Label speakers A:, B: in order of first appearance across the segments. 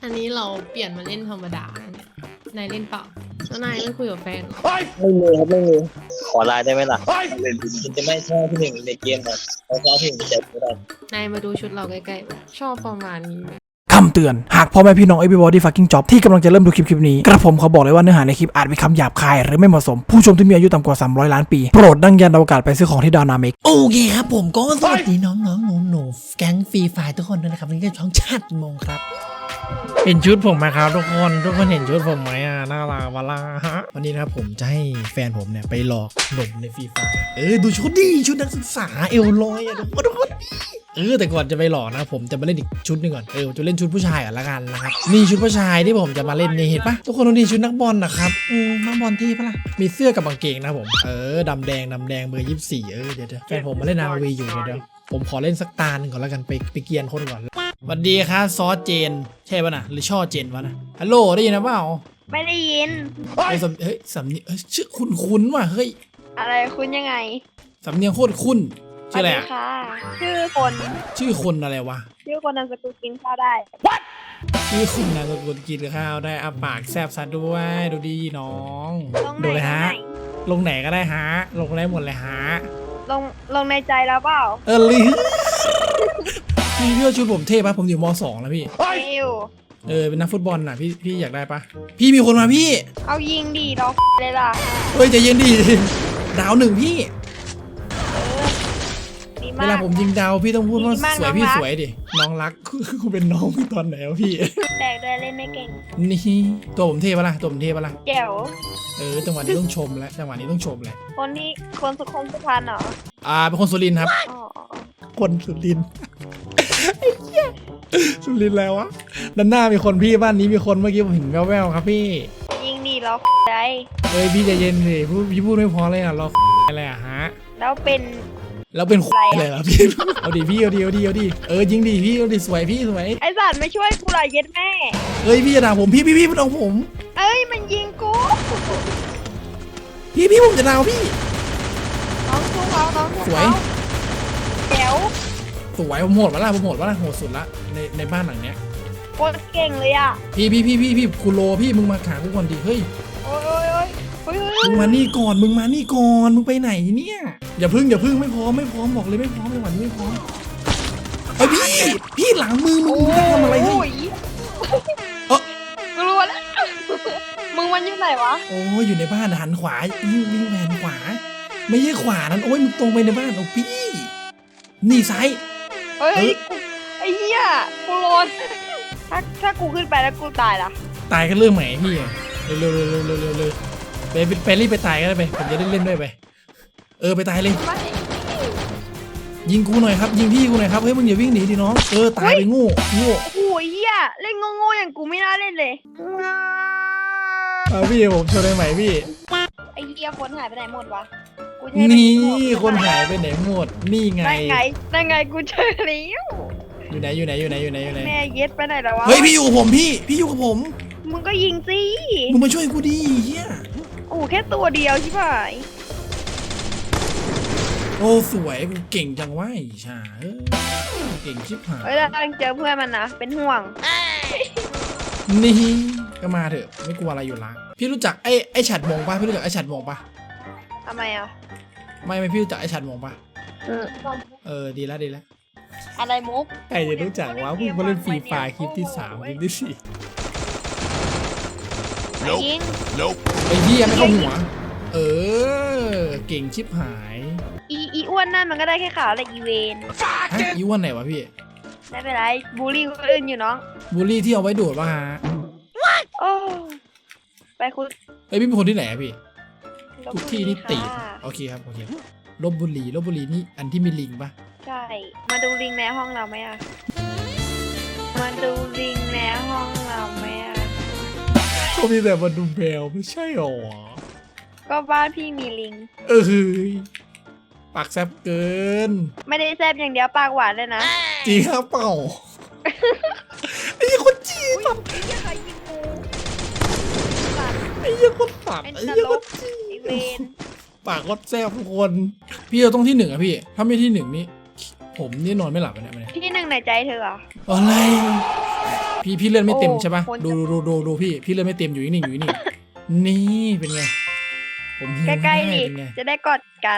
A: อันนี้เราเปลี่ยนมาเล่นธรรมดาเนี่ยนายเล่นเปล่าแล้วนายไม่คุยกับแฟนเหรอ
B: ไม่มีครับไม่มี
C: ขอไลน์ได้ไหมล่ะมันจะไม่ใช่ที่หนึ่งในเกมหรอกเพราะว่าที่หนึ่งจะไม่ได้
A: นายมาดูชุดเราใกล้ๆชอบประมาณนี้ไหม
D: คำเตือนหากพ่อแม่พี่น้อง everybody fucking job ที่กำลังจะเริ่มดูคลิปนี้กระผมเขาบอกเลยว่าเนื้อหาในคลิปอาจมีคำหยาบคายหรือไม่เหมาะสมผู้ชมที่มีอายุต่ำกว่า300 ล้านปีโปรดดังยันอวกาศไปซื้อของที่ดาวนาเมก
E: โอเคครับผมก็สวัสดีน้องๆหนูๆแก๊งฟรีไฟร์ทุกคนด้วยนะครับวันนี้ก็ช่องชาติมงครับเห็นชุดผมไหมครับทุกคนเห็นชุดผมไหมน่ารักวะล่ะฮะวันนี้นะครับผมจะให้แฟนผมเนี่ยไปหลอกหนุ่มในฟรีไฟร์ดูชุดดิชุดนักศึกษาเอวลอยทุกคนแต่ก่อนจะไปหลอกนะผมจะมาเล่นอีกชุดหนึ่งก่อนจะเล่นชุดผู้ชายก่อนละกันนะครับนี่ชุดผู้ชายที่ผมจะมาเล่นนี่เห็นปะทุกคนดูนี่ชุดนักบอลนะครับนักบอลที่ปะล่ะมีเสื้อกับกางเกงนะผมดำแดงเบอร์24เดี๋ยวแฟนผมมาเล่นนาวีอยู่เดี๋ยวผมขอเล่นสักตาหนึ่งก่อนแล้วกันไปเกียนคนก่อนสวัสดีครับซอสเจนใช่ป่ะนะหรือช่อเจนวะนะฮัลโหลได้ยินนะเปล่า
F: ไม่ได้ยิน
E: สำเนียงชื่อคุ้นว่ะเฮ้ย
F: อะไรคุณยังไง
E: สำเนียงโคตรคุ้นชื่ออะไร
F: สวัสดีค่ะ ชื่อคน
E: ชื่อคนอะไรวะ
F: ชื่อคนนามสกุลกินข้าวได้
E: ชื่อคุณนามสกุลกินข้าวได้ปากแซบซะด้วยดูดีน้อง
F: ลงไหน
E: ดูเลยฮะ
F: ลงไหน
E: ลงไหนก็ได้ฮะลงได้หมดเลยฮะ
F: ลงในใจแล้วเปล่า
E: ลิพี่เลือกชุดผมเท่ปะผมอยู่ม.2 แล้วพี่
F: ไม่อยู่
E: เป็นนักฟุตบอลน่ะพี่อยากได้ปะพี่มีคนมาพี่
F: เอายิงดีรอเลยล่ะ
E: เฮ้ยใจเย็นดิดาวหนึ่งพี่
F: ดี
E: เว
F: มาก
E: ลาผมยิงดาวพี่ต้องพูดว่า
F: ดีมาก
E: สวยพี่
F: น้องรัก
E: สวยดิน้องรักคุณเป็นน้องตอนไหนวะพี่
F: แตกด้วยเล่นไม่เก่ง
E: นี่ตัวผมเท่ปะล่ะตัวผมเท่ปะล่ะ
F: เจ๋ว
E: จังหวะนี้ต้องชมแล้วจังหวะนี้ต้องชมเลย
F: คนสุขุมสุพรรณเหรอ
E: เป็นคนสุรินทร์ครับ
F: อ๋อ
E: คนสุรินทร์ไอ้เหี้ยสุรินทร์แล้ววะด้านหน้ามีคนพี่บ้านนี้มีคนเมื่อกี้ผมเห็นแววๆครับพี่
F: ยิงดีรอได้
E: พี่ใจเย็นสิพี่พูดไม่พอเลยอ่ะรออะไรอ่ะฮะ
F: แล้วเป็น
E: แล้วเป็น
F: อะไรอะ
E: เลยเหรอพี่เอาดิพี่เอาดิยิงดิพี่เอาดิสวยพี่สวย
F: ไอสัตว์ไม่ช่วยกูหน่อยเย็ดแม่
E: พี่จะด่าผมพี่มันเอาผม
F: เอ้ยมันยิงกู
E: พี่ผมจะด่าพี่
F: น้องสู้เขาน้องสู้
E: สวย
F: เขาเจ๋ว
E: สวยผมโหดวะล่ะโหดสุดละในบ้านหลังเนี้ย
F: โคตรเก่งเลยอ่ะ
E: พี่คุณโลพี่มึงมาหากูก่อนดิเฮ้ย
F: โอ้ย
E: มึงมานี่ก่อนมึงไปไหนเนี่ยอย่าพึ่งไม่พร้อมบอกเลยไม่พร้อมในวันนี้ไม่พร้อมเฮ้ยพี่หลังมือมึงจะทำอะไรให้
F: โยกลัวแล้ว มึงมันอยู่ไหนวะ
E: โอ้ยอยู่ในบ้านหันขวาวิ่งแหวนขวาไม่ใช่ขวานั้นโอ้ยมึงตรงไปในบ้านโอ้พี่นี่ซ้าย
F: เฮ้ยไอ้เหี้ยกูโลนถ้ากูขึ้นไปแล้วกูตายล่ะ
E: ตายกันเรื่องไหนพี่เร็วไปรีบไปตายกันเลยไปผมจะได้เล่นด้วยไปไปตายเลย
F: ไม่
E: ยิงกูหน่อยครับยิงพี่กูหน่อยครับเฮ้ยมึงอย่าวิ่งหนีดิน้องตายไปโง่
F: โอ้ยเหี้ยเล่นโง่ๆอย่างกูไม่น่าเล่นเลย
E: พี่ผมชวนได้ไหมพี่
F: ไอ้เหี้ยคนหายไปไหนหมดวะกูจะให้
E: นี่
F: ไป
E: คนหายไปไหนหมดนี่ไง
F: ได้ไงกูเจอแล้ว
E: อยู่ไหน
F: แม่เย็ดไปไหนแล้ววะ
E: เฮ้ยพี่อยู่กับผมพี่อยู่กับผม
F: มึงก็ยิงสิ
E: มึงมาช่วยกูดิเฮีย
F: โอ้แค่ตัวเดียวใช่ไหม
E: โอ้สวยกูเก่งจังวะไอ้ชาเก่งชิบหาย
F: เฮ้ยเรากำลังเจอเพื่อนมันนะเป็นห่วง
E: นี่ก็มาเถอะไม่กลัวอะไรอยู่ละพี่รู้จักไอ้ฉัดมงปะพี่รู้จักไอ้ฉัดมงปะ
F: ทำไมอ่ะ
E: ไม่พี่รู้จักไอ้ฉัดมงปะดีแล้ว
F: อะไรมุก
E: ใครจะรู้จักวะพวกมาเล่นฟรีไฟคลิปที่3คลิปที่4
F: ยิง
E: ไอ้เหี้ยไม่เข้าหัวเก่งชิบหาย
F: อีอ้วนนั่นมันก็ได้แค่ขาวและอีเวน
E: อีวันไหนวะพี่
F: ไม่เป็นไรบูลลี่คนอื่นอยู่น้อง
E: บูลลี่ที่เอาไว้ดูดป่ะฮะ
F: โอ้ไปคุณ
E: พี่เป็นคนที่ไหนอะพี่ทุกที่นี่ตี
F: ค่ะ
E: โอเคครับลพบุรีนี่อันที่มีลิงป่ะ
F: ใช่มาดูลิงในห้องเราไหมอ่ะมาดูลิงในห้องเราไหมอ่ะ
E: เขามีแต่มาดูแมวไม่ใช่หรอ
F: ก็บ้านพี่มีลิง
E: ปากแซบเกิน
F: ไม่ได้แซ่บอย่างเดียวปากหวานเลยนะ
E: จริงครับเปล่าไอ้คนจีน
F: ไอ้ใครยิงกู
E: ไอ้ยี่คนตัด
F: เป็น
E: ไอ้
F: ต
E: ยี่
F: ล
E: ค
F: ก
E: นจี
F: ไอ้เวน
E: ปากก็แซบทุกคนพี่เราต้องที่ 1อะพี่ถ้าไม่ที่ 1นี่ผมนี่นอนไม่หลับเลยเนี่ย
F: ที่หนึ่งในใจเธอเหรอ
E: อะไรพี่เลื่อนไม่เต็มใช่ปะ
F: โอ้คน
E: ดูพี่เลื่อนไม่เต็มอยู่นิ่งอยู่นิ่งนี่เป็นไงผมหิว
F: ใกล้ๆ
E: ให้
F: ดิ
E: เป็นไง
F: จะได้กอดกัน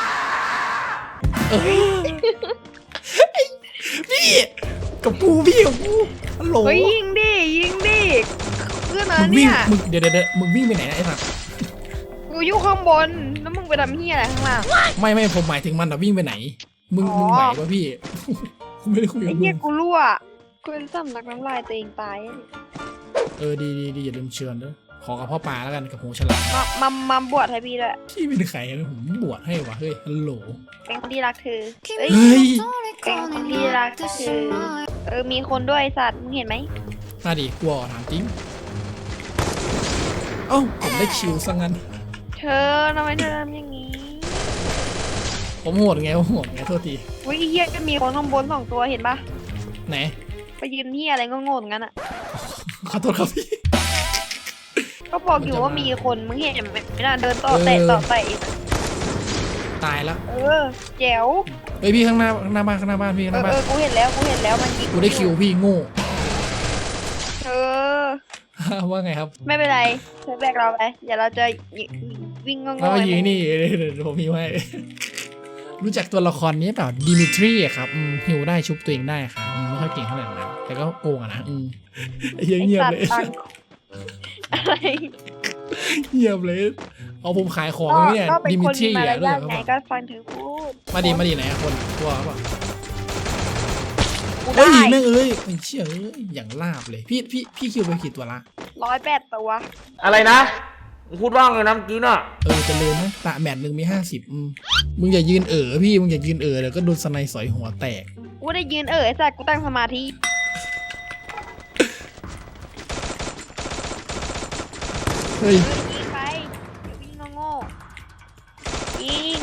E: พี่กับกูฮัลโหล
F: เฮ้ยยิงดิเพื่อนนะ
E: มึงวิ่
F: เนี่
E: ง
F: ย
E: มึงเดี๋ยวมึงวิ่งไปไหนนะไอ้สัส
F: กูอยู่ข้างบนแล้วมึงไปทำเฮียอะไรข้างล่าง
E: ไม่ผมหมายถึงมันอะวิ่งไปไหนมึง
F: อ๋อ
E: ไหวปะพี่ กูไม่ได้คุย
F: ไอ้
E: กับมึ
F: เฮีย
E: ง
F: กูรั่วกูเป็นสำลักน้ำลายตัวเองตาย
E: ดีอย่าลืมเชิญด้วยขอกับพ่อปลาแล้วกันกับหูฉลาม
F: มาบวชให้พี่ด้วย
E: พี่เป็นใครนะผมบวชให้วะเฮ้ยฮัลโหล
F: เป็นคนที่รักเธอเอ้ย
E: เฮ้ย
F: เป็นคนที่รักเธอมีคนด้วยไอ้สัตว์มึงเห็นไหม
E: มาดิกลัวถามจริงเอ้าผมได้คิวซะงั้น
F: เธอทำไมเธอทำอย่างนี้
E: ผมโหดไงโทษที
F: อุ้ยไอ้เฮียก็มีคนข้างบน2 ตัวเห็นปะ
E: ไหน
F: ไปยืนเฮียอะไรโง่ๆงั้นอ่ะ
E: ขอโทษครับพี่
F: ก็บอกอยู่ว่ามีคนมึงเห็นไหมไม่น่าเดินต่อเตะอีก
E: ตายแล้ว
F: แจ๋ว
E: เฮ้ยพี่ข้างหน้าบ้านพี่ข้างหน้าบ้าน
F: กูเห็นแล้วมันยิง
E: กูได้คิวพี่โง่
F: เออ
E: ว่าไงครับ
F: ไม่เป็นไรเธอแบกเราไปเดี๋ยวเราจะวิ่งงง
E: แล้ว
F: ๆ
E: มา
F: เลย
E: ยิงนี่เดี๋ยวผมมีไว้ รู้จักตัวละครนี้เปล่าดิมิทรีอะครับหิวได้ชุบตัวเองได้ครับไม่ค่อยเก่งเท่าไหร่นะแต่ก็โกงอะนะเงียบ
F: ไอ้
E: เลย
F: สัตว์อะไร
E: เงียบเลยเอาผมขายของเนี่ย
F: ก็เป็น
E: ดิมิ
F: คน
E: ทรี
F: มีมาร
E: อะด้วย
F: ยาท
E: ครับ
F: ไงก็ฟังเธอพูด
E: มาดีไหนอะคนกลัวเปล่า
F: กู
E: เฮ้ย
F: ได้
E: แม่งเอ้ยไม่เชื่อเอ้ยอย่างลาบเลยพี่คิวไปกี่ตัวละ
F: 108 ตัว
C: อะไรนะมึงพูดว่างเลยนะเมื่อกี้น่ะ
E: เจริญนะตะแมตช์หนึ่งมี50มึงอย่ายืนพี่มึงอย่ายืนเดี๋ยวก็โดนสไนสอยหัวแตก
F: กูได้ยืนไอ้สัตว์กูตั้งสมาธิ
E: เฮ้ย
F: ยิงไปเดี๋ยววิ่งโง่ๆยิง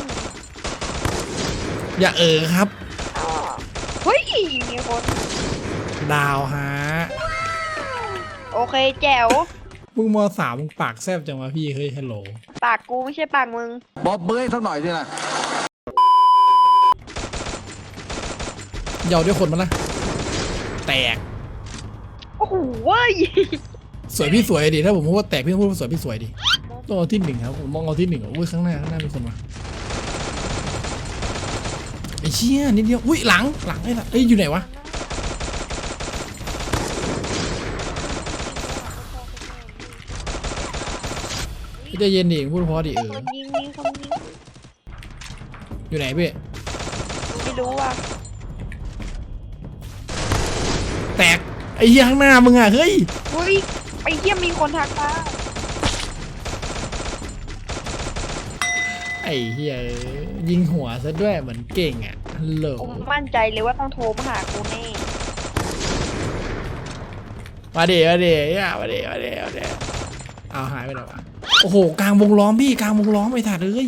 E: อย่าครับ
F: อ้อเฮ้ยมีคน
E: ดาวฮะ
F: โอเคแจ๋ว
E: มึงม.3มึงปากแซบจังวะพี่เฮ้ยฮัลโหล
F: ปากกูไม่ใช่ปากมึง
B: บอกเบยสักหน่อยสินะ
E: เหยาด้วยคนมันละแตก
F: โอ้โหเว้ย
E: สวยพี่สวยดิถ้าผมพูดว่าแตกพี่ต้องพูดว่าสวยพี่สวยดิต้องเอาที่ 1ครับผมมองเอาที่ 1อ่ะอุ้ยข้างหน้ามีคนมาไอ้เชี่ยนิดเดียวอุ้ยหลังไอ้ละเอ้ยอยู่ไหนวะใจเย็นดิพูดเพราะดิ
F: คนยิงมีคนยิง
E: อยู่ไหนพี่
F: ไม่รู้อ่ะ
E: แตกไอ้เหี้ยข้างหน้ามึงอ่ะเฮ้ย
F: เฮ้ยไอ้เหี้ยมีคนทักมา
E: ไอ้เหี้ยยิงหัวซะด้วยเหมือนเก่งอ่ะฮัลโหล
F: ผมมั่นใจเลยว่าต้องโทรมาหากูแน่
E: มาดิอย่ามาดิเอาหายไปแล้ววะโอ้โหกลางวงล้อมพี่กลางวงล้อมไอ้ถัดเลย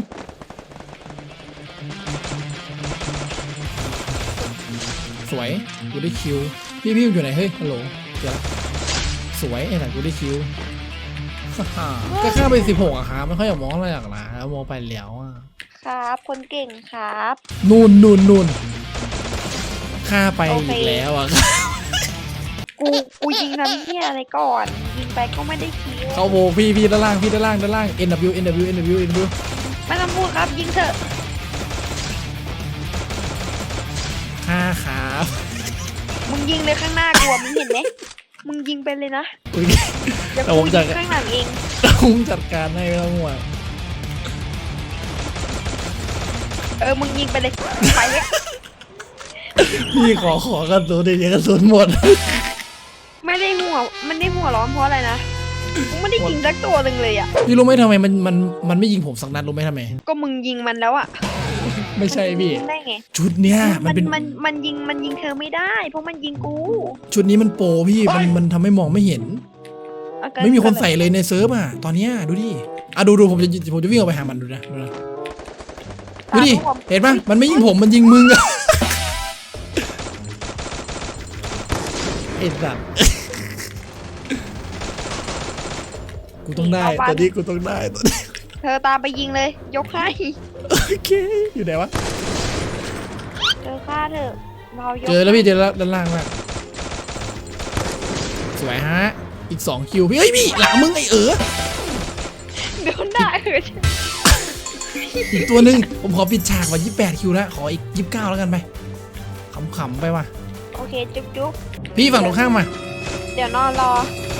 E: สวยกูได้คิวพี่อยู่ไหนเฮ้ยฮัลโหลเจอแล้วสวยไอ้ถัดกูได้คิว ก็ข้าไป16อะครับไม่ค่อยอยากมองอะไรหรอกนะแล้วมองไปแล้วอะ
F: ครับคนเก่งครับ
E: นู่นข้าไป
F: โอเค
E: อีกแล้วอะ
F: กูยิงทำเหี้ยอะไรก่อนยิงไปก็ไม่ได้คิว
E: เขาโบกพี่ด้านล่าง NW
F: ไม่ต้องพูดครับยิงเถอะ
E: ข้าครับ
F: มึงยิงเลยข้างหน้ากูอะมึงเห็นไหมมึงยิงไปเลยนะ
E: อุ๊ย
F: เดี๋ยว
E: แต่
F: กู
E: ผมจั
F: ยิ
E: ด
F: งข้างหลังเอง
E: ผมจัดการให้ไม่ต้องห่วง
F: มึงยิงไปเลยไปเลย
E: พี่ขอกระสุนเดี๋ยวกระสุนหมด
F: ไม่ได้หัวร้อนเพราะอะไรนะกูไม่ได้ยิงสักตัวหนึ่งเลยอ่ะ
E: พี่รู้ไหมทำไมมันไม่ยิงผมสักนัดรู้ไหมทำไม
F: ก็มึงยิงมันแล้วอ่ะ
E: ไม่ใช่พี่
F: ยิงได้ไง
E: ชุดเนี้ยมันเป็น
F: มันยิงเธอไม่ได้ เพราะมันยิงกู
E: ชุดนี้มันโปรพี่มันทำให้มองไม่เห็น
F: เอาเกิ
E: ไม่มีคนใส่เลยในเซิร์ฟอ่ะตอนเนี้ยดูดิดูผมจะวิ่งออกไปหามันดูนะดูดิเห็นปะมันไม่ยิงผมมันยิงมึงอะ ไอ้สัตว์กูต้องได้ตอนนี้กูต้องได้ตอนนี้
F: เธอตามไปยิงเลย ยกให้
E: โอเคอยู่ไหนวะ
F: เธอฆ่าเถอะเรายก
E: เจอแล้วพี่เจอแล้วด้านล่างแล้ววยฮะอีก2คิวพี่เฮ้ยพี่หลังมึงไอ้
F: โดนด่า
E: อีกตัวหนึ่งผมขอปิดฉากว่า28คิวแล้วขออีก29แล้วกันไปขำๆไปว่ะ
F: โอเคจุ๊บ
E: พี่ฝั่งตรงข้ามมา
F: เดี๋ยวนอนรอ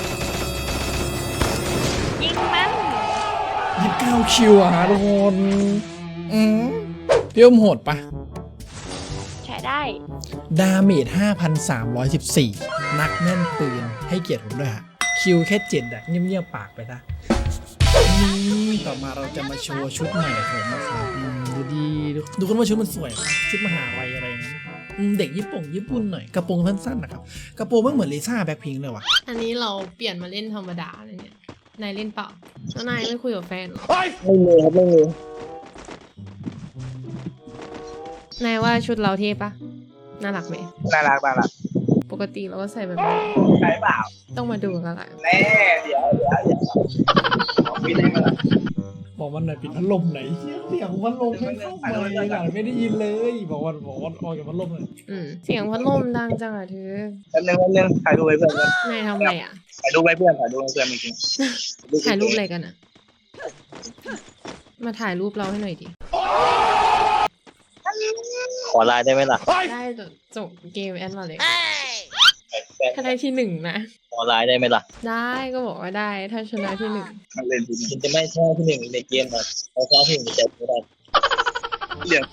F: ยิงมัน
E: 29คิวอะฮะทุกคนพี่อมโหดปะ
F: ใช้ได้
E: ดาเมจ 5,314 นักแม่นปืนให้เกียรติผมด้วยฮะคิวแค่7อะเงียบๆปากไปซะนี่ต่อมาเราจะมาโชว์ชุดใหม่ผมนะครับดูดีดูกันว่าชุดมันสวยชุดมหาลัยอะไรอย่างเงี้ยเด็กญี่ปุ่นหน่อยกระโปรงสั้นๆนะครับกระโปรงไม่เหมือนลิซ่าแบ็คพิงค์เลยว่ะ
A: อันนี้เราเปลี่ยนมาเล่นธรรมดาเลยเนี่ยนายเล่นเปล่าแล้วนายไม่คุยกับแฟนเหรอ
C: ไม่มีครับไม่มี
A: นายว่าชุดเราเท่ปะน่ารักไหม
C: น่ารักน่ารัก
A: ปกติเราก็ใส่แบบนี้
C: ใช่เปล่า
A: ต้องมาดูกันละ
C: แน่เดี๋ยวมีอะไรมาล่ะ
E: บอกวันไหนปิดพัดลมไหนเสียงพัดลมไม่เข้ามาเลยอ่ะไม่ได้ยินเลยบอกวันออกจากพัดลมเลย
A: เสียงพัดลมดังจังอะเธอ
C: แป๊บนึงถ่ายรูปไว้เพื่อน
A: นายทำอะไรอะ
C: ถ่ายรูปไว้เพื่อนจริง
A: ถ่ายรูปอะไรกันอะมาถ่ายรูปเราให้หน่อยดิ
C: ขอไลน์ได้ไหมล่ะ
A: ได้จบเกมแอดมาเลยถ้าได้ที่1นะ
C: ขอไลน์ได้ไหมล่ะ
A: ได้ก็บอกว่าได้ถ้าชนะที่1
C: เล่นคุณจะไม่ใช่ที่1ในเกมนะเราชอบที่1ในใจไม่ได้เดี๋ยว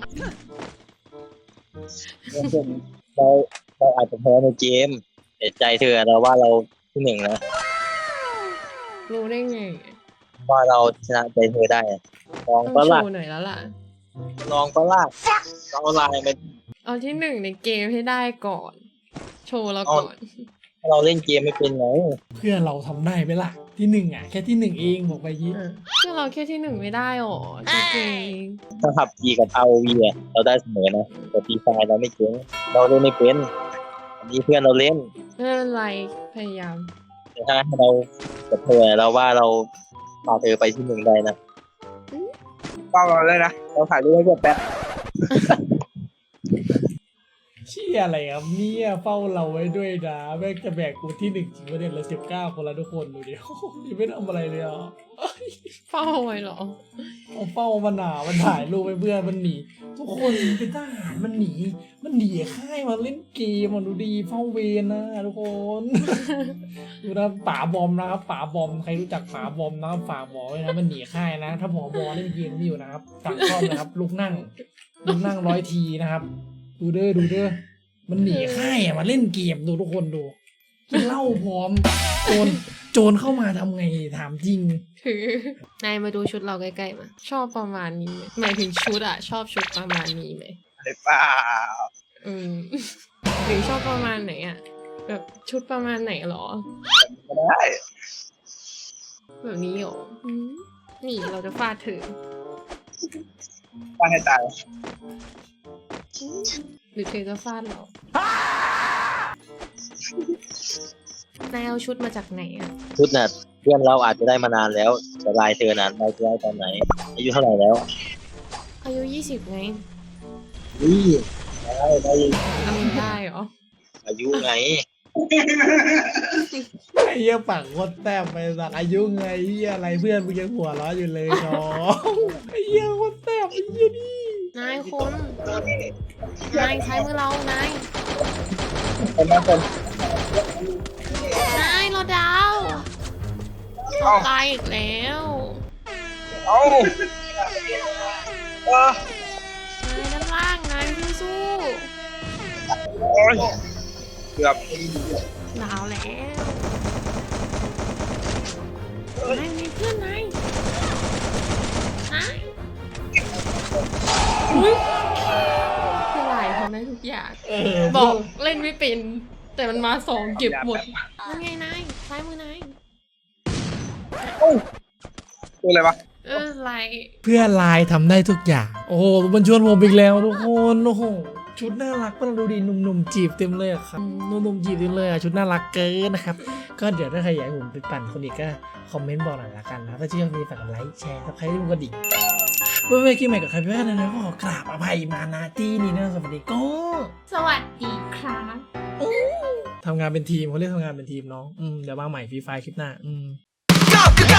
C: เราอาจจะแพ้ในเกมแต่ใจเธอเราว่าเราที่1นะ
A: รู้ได้ไง
C: ว่าเราชนะใจเธอได้ลอง
A: ต้อง
C: ก็
A: โช
C: ล่ะ
A: ว์หน่อยแล้วล่ะ
C: ลองก็ล่ะเราไลน์ไป
A: เอาที่1ในเกมให้ได้ก่อน โชว์เราก่อน
C: เราเล่นเกมไม่เป็นไง
E: เพื่อนเราทำได้ไหมล่ะที่1อ่ะแค่ที่1เองบอกไปยี่
A: เพื่อเราแค่ที่1ไม่ได้หรอจริง
C: ถ้าขับ G กับ ROV อ่ะเราได้เสมอนะแต่ P ไฟเราไม่เก่งเราเล่นไม่เป็นอันนี้เพื่อนเราเล่น
A: ไม่เป็นไรพยายาม
C: แต่ถ้าให้เรากับเธอเราว่าเราพาเธอไปที่1ได้นะเป้าเราเลยนะเราถ่ายรูปให้เพื่อนแป๊บ
E: เชี่ยอะไรครับเนี่ยเฝ้าเราไว้ด้วยนะแม่งจะแบกกูที่1จริงประเด็นละ19 คนละทุกคนดูดิยังไม่ทำอะไรเลยอ่ะ
A: เฝ้าไว้เหรอ
E: เอาเฝ้ามันหนามันถ่ายรูปไปเพื่อนมันหนีทุกคนเป็นทหารมันหนีค่ายมาเล่นเกมมันดูดีเฝ้าเวรนะทุกคน ดูนะป๋าบอมนะครับป๋าบอมใครรู้จักป๋าบอมนะครับฝากบอกไว้นะมันหนีค่ายนะ ถ้าผอบอเล่นเกมนี่อยู่นะครับสั่งซ่อมนะครับลุกนั่ง100 ทีนะครับดูเด้อมันหนีค่ายมาเล่นเกมดูทุกคนดูกินเหล้าพร้อมโจรเข้ามาทำไงถามจริง
A: คือนายมาดูชุดเราใกล้ๆมาชอบประมาณนี้ไหมหมายถึงชุดอะชอบชุดประมาณนี้ไหม
C: หรือเปล่า
A: หรือชอบประมาณไหนอะแบบชุดประมาณไหนหรอ
C: ไม่ได้
A: แบบนี้หรอนี่เราจะฟาดเธอ
C: ฟาดให้ตาย
A: หรือเธอจะฟาดเรานายเอาชุดมาจากไหนอะ
C: ชุดน่ะเพื่อนเราอาจจะได้มานานแล้วแต่ลายเธอนั้นลายเธอได้ตอนไหนอายุเท่าไหร่แล้ว
A: อายุ20ไง
C: ได้
A: ทำได้เหรอ
C: อายุไง
E: ไอ้เหี้ยปากโคตรแต้มไปสักอายุไงเหี้ยอะไรเพื่อนมึงยังหัวเราะอยู่เลยน้องไอ้เหี้ยโคตรแต้มไอ้เหี้ยนี่
A: นายคนนายใช้มือเรานาย
C: คนนั้นคน
A: นายเราดาวตายอีกแล้ว
C: เอ้า
A: นายด้านล่างนายสู้
C: โอ้ยเกือบ
A: ๆดาวแล้วนายมีเพื่อนนายอุ๊ยคือหลายเขาได้ทุกอย่างบอกเล่นไม่เป็นแต่มันมา2เก็บหมดนั่นไงนายซ้ายมือนาย
C: คืออะไรวะ
A: ไร
E: เพื่อนไลน์ทำได้ทุกอย่างโอ้โหมันชวนผมอีกแล้วทุกคนโอ้โหชุดน่ารักมันดูดีหนุ่มๆจีบเต็มเลยอะครับหนุ่มๆจีบเต็มเลยอะชุดน่ารักเกินนะครับก็เดี๋ยวถ้าใครอยากให้ผมไปปั่นคนอีกก็คอมเมนต์บอกหน่อยละกันนะถ้าชื่นชอบนี้ฝากกดไลค์แชร์ใครที่มึงก็ดิ่งเมื่อกี้ใหม่กับใครพี่ว่านะก็ขอกราบอภัยมาณที่นี้นะสวัสดีก็
A: สวัสดีครับ
E: ทำงานเป็นทีมเขาเรียกทำงานเป็นทีมน้องเดี๋ยวมาใหม่ฟรีไฟคลิปหน้า